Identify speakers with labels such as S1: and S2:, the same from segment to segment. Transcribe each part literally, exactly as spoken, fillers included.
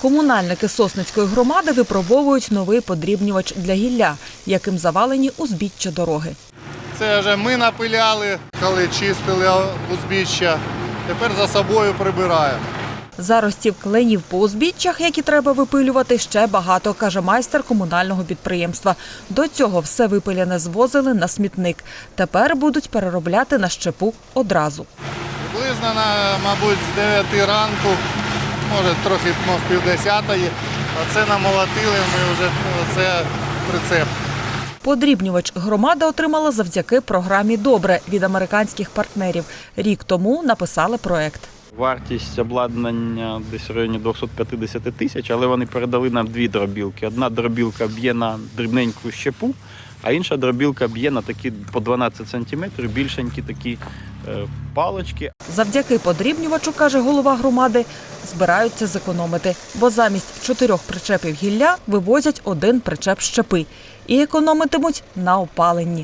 S1: Комунальники Сосницької громади випробовують новий подрібнювач для гілля, яким завалені узбіччя дороги.
S2: Це вже ми напиляли, коли чистили узбіччя. Тепер за собою прибираємо.
S1: Заростів кленів по узбіччях, які треба випилювати, ще багато, каже майстер комунального підприємства. До цього все випиляне звозили на смітник. Тепер будуть переробляти на щепу одразу.
S2: Приблизно, мабуть, з дев'яти ранку, може трохи ну, з півдесятої, оце намолотили, ми вже це прицеп.
S1: Подрібнювач громада отримала завдяки програмі «Добре» від американських партнерів. Рік тому написали проект.
S3: Вартість обладнання десь в районі двісті п'ятдесят тисяч, але вони передали нам дві дробілки. Одна дробілка б'є на дрібненьку щепу, а інша дробілка б'є на такі по дванадцять сантиметрів, більшенькі такі е, палички.
S1: Завдяки подрібнювачу, каже голова громади, збираються зекономити, бо замість чотирьох причепів гілля вивозять один причеп щепи і економитимуть на опаленні.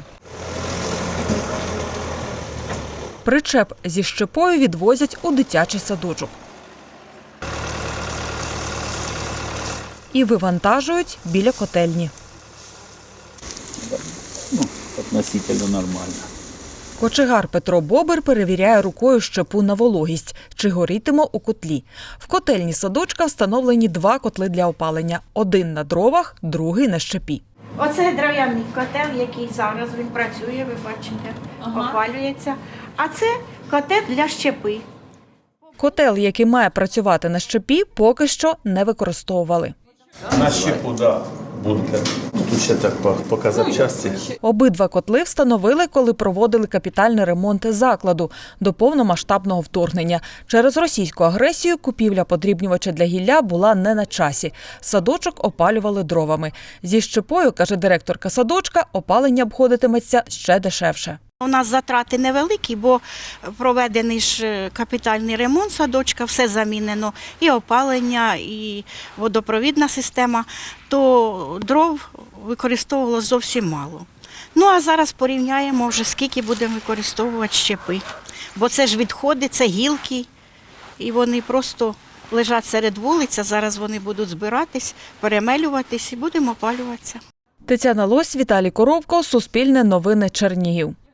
S1: Причеп зі щепою відвозять у дитячий садочок. І вивантажують біля котельні.
S4: Ну, относительно нормально.
S1: Кочегар Петро Бобер перевіряє рукою щепу на вологість, чи горітиме у котлі. В котельні садочка встановлені два котли для опалення. Один на дровах, другий на щепі.
S5: Оце дерев'яний котел, який зараз він працює, ви бачите, ага. Опалюється. А це котел для щепи.
S1: Котел, який має працювати на щепі, поки що не використовували.
S4: На щепу, да, бункер. Тут ще так по, по казапчасті.
S1: Обидва котли встановили, коли проводили капітальний ремонт закладу до повномасштабного вторгнення. Через російську агресію купівля подрібнювача для гілля була не на часі. Садочок опалювали дровами. Зі щепою, каже директорка садочка, опалення обходитиметься ще дешевше.
S5: У нас затрати невеликі, бо проведений ж капітальний ремонт садочка, все замінено, і опалення, і водопровідна система, то дров використовувало зовсім мало. Ну а зараз порівняємо вже, скільки будемо використовувати щепи. Бо це ж відходи, це гілки, і вони просто лежать серед вулиць, а зараз вони будуть збиратись, перемелюватись і будемо опалюватися.
S1: Тетяна Лось, Віталій Коровко, Суспільне новини, Чернігів.